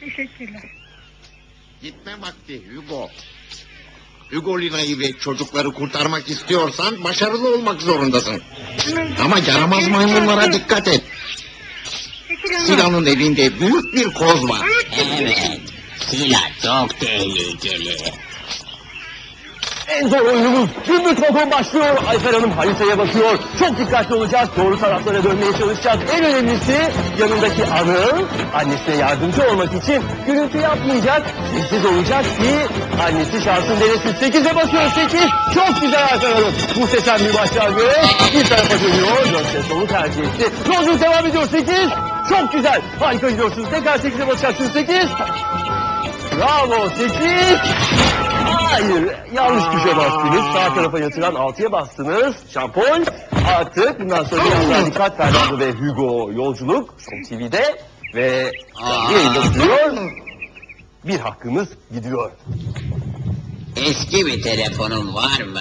Teşekkürler. Gitme vakti Hugo. Hugo Lina'yı ve çocukları kurtarmak istiyorsan başarılı olmak zorundasın. Ama yaramaz maymunlara dikkat et. Sila'nın elinde büyük bir koz var. Evet, Sila çok tehlikeli. En zor oyunumuz gümbür vagon başlıyor. Ayfer Hanım haritaya bakıyor. Çok dikkatli olacak. Doğru taraflara dönmeye çalışacak. En önemlisi yanındaki Anıl annesine yardımcı olmak için gürültü yapmayacak. Sessiz olacak ki annesi şansın denesin. 8'e basıyor 8. Çok güzel Ayfer Hanım. Muhteşem bir başlangıç. Bir tarafa dönüyor. 4'te solu tercih etti. Yolculuk devam ediyor 8. Çok güzel. Harika gidiyorsunuz. Tekrar 8'e basacaksınız 8. Bravo 8. Hayır, yanlış tuşa bastınız. Sağ tarafa yatıran 6'ya bastınız. Şampon. Artık bundan sonra biraz daha dikkat Fernando ve Hugo yolculuk. Show TV'de ve yayında sürüyor. Bir hakkımız gidiyor. Eski bir telefonun var mı?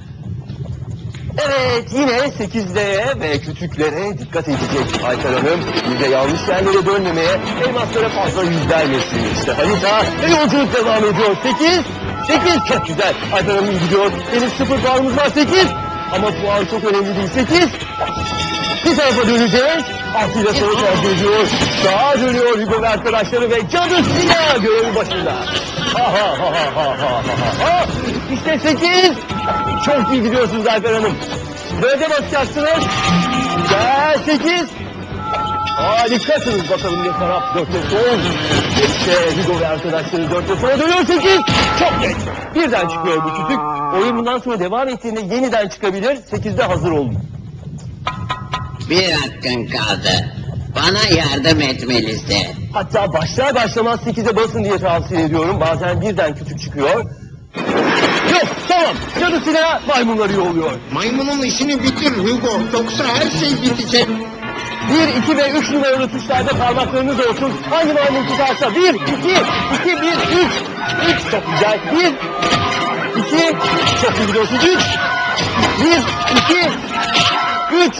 Evet, yine 8'lere ve küçüklere dikkat edecek Ayfer Hanım. Bir de yanlış yerlere dönmemeye, elmaslara fazla yüz vermesin. İşte harita ve yolculuk devam ediyor. 8 çok güzel. Ayfer Hanım gidiyor. Henüz 0 puanımız var 8. Ama puan çok önemli değil 8. Bir tarafa döneceğiz. 6 ile sola tercih ediyor. Sağa dönüyor Hugo ve arkadaşları ve cadı Sila görevi başında. İşte 8. Çok iyi gidiyorsunuz Ayfer Hanım. Böyle basacaksınız. Gel 8. Harikasınız bakalım ne taraf 4'te sol. İşte Hugo ve arkadaşları 4'te sola dönüyor 8. Çok geç. Birden çıkıyor bu kütük. Oyun bundan sonra devam ettiğinde yeniden çıkabilir. 8'de hazır olun. Bir hakkın kaldı. Bana yardım etmelisin. Hatta başlar başlamaz 8'e basın diye tavsiye ediyorum. Bazen birden kütük çıkıyor. Yok tamam. Cadı Sila maymunları yolluyor. Maymunun işini bitir Hugo. Yoksa her şey bitecek. 1, 2 ve 3 numaralı tuşlarda parmaklarınız olsun. Hangi maymun tutarsa 1, 2, 2, 1, 3. 3 çok güzel. 1, 2, çok iyi gidiyorsun. 3, 1, 2, 3.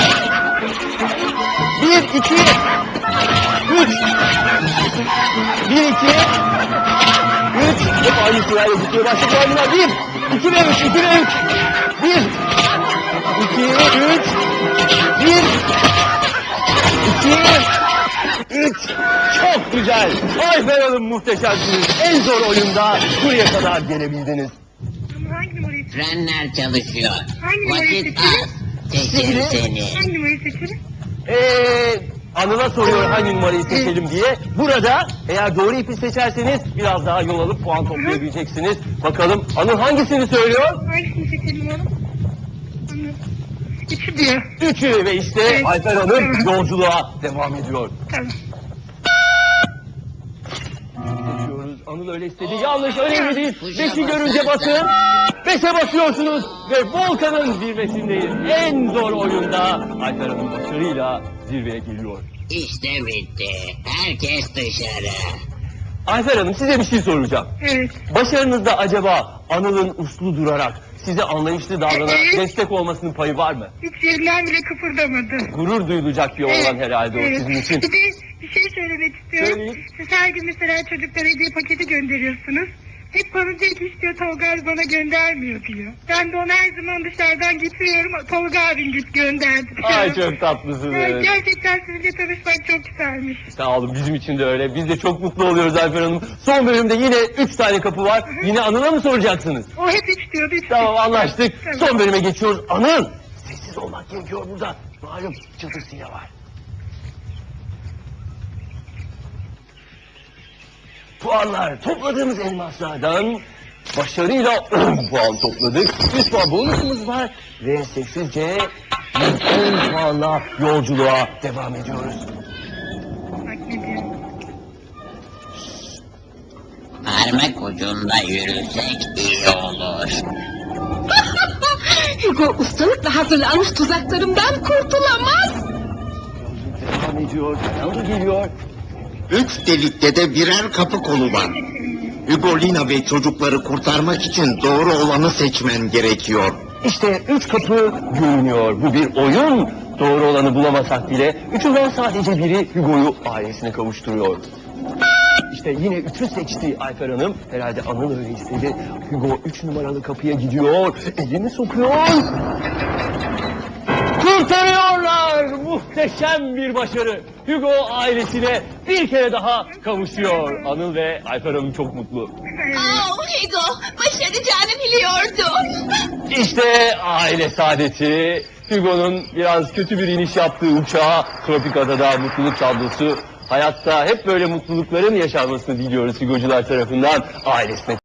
1, 2, 3. 1, 2, 3. Hep aynı sırayla gidiyor. Başka maymunlar 1, 2 ve 3, 2 ve 3. 1, 2, 3, 1, 2, 3. Çok güzel. Ayfer Hanım muhteşemsiniz. En zor oyunda buraya kadar gelebildiniz. Hangi numarayı seçelim? Frenler çalışıyor. Hangi numarayı Vakit seçelim? az. Seçim seni. Hangi numarayı seçelim? Anıl'a soruyor hangi numarayı seçelim diye. Burada eğer doğru ipi seçerseniz biraz daha yol alıp puan toplayabileceksiniz. Bakalım Anıl hangisini söylüyor? Hangisini seçelim oğlum? Anladım. 3'ü diyor. 3'ü ve işte Evet. Ayfer Hanım yolculuğa devam ediyor. Tamam. Seçiyoruz. Anıl öyle istedi. Yanlış önemli değil. 5'i görünce basın. 5'e basıyorsunuz ve Volkan'ın zirvesindeyiz. En zor oyunda Ayfer Hanım başarıyla zirveye geliyor. İşte bitti. Herkes dışarı. Ayfer Hanım size bir şey soracağım. Evet. Başarınızda acaba Anıl'ın uslu durarak size anlayışlı davranarak Evet. destek olmasının payı var mı? Hiç yerinden bile kıpırdamadı. Gurur duyulacak bir oğlan herhalde o evet. sizin için. Bir de bir şey söylemek istiyorum. Söyleyin. Siz her gün mesela çocuklara hediye paketi gönderiyorsunuz. Hep bana diyor ki istiyor Tolga abi bana göndermiyor diyor. Ben de ona her zaman dışarıdan getiriyorum. Tolga abin git gönderdi. Ay çok tatlısınız. Evet, gerçekten sizinle tanışmak çok güzelmiş. Sağ olun bizim için de öyle. Biz de çok mutlu oluyoruz Ayfer Hanım. Son bölümde yine 3 tane kapı var. Yine Anıl'a mı soracaksınız? O hep 3 diyordu. Üç Tamam anlaştık. Tamam. Son bölüme geçiyoruz. Anıl! Sessiz olmak gerekiyor burada. Malum çadırıyla var. Puanlar topladığımız elmaslardan başarıyla 10 puan topladık. 100 puan bonusumuz var ve sessizce 10 puanla yolculuğa devam ediyoruz. Bak ne diyor. Parmak ucunda yürüsek iyi olur. Hugo ustalıkla hazırlanmış tuzaklarımdan kurtulamaz. Devam ediyor, Fernando geliyor. 3 delikte de birer kapı kolu var. Hugo Lina ve çocukları kurtarmak için doğru olanı seçmen gerekiyor. İşte 3 kapı görünüyor. Bu bir oyun. Doğru olanı bulamasak bile üçünden sadece biri Hugo'yu ailesine kavuşturuyor. İşte yine 3'ü seçti Ayfer Hanım. Herhalde Anıl öyle istedi. Hugo 3 numaralı kapıya gidiyor. Elini sokuyor. Kurtarıyorlar! Muhteşem bir başarı. Hugo ailesine bir kere daha kavuşuyor. Anıl ve Ayfer Hanım çok mutlu. Hugo, başaracağını biliyordum. İşte aile saadeti. Hugo'nun biraz kötü bir iniş yaptığı uçağa tropik adada mutluluk tablosu. Hayatta hep böyle mutlulukların yaşanmasını diliyoruz Hugo'cular tarafından ailesine.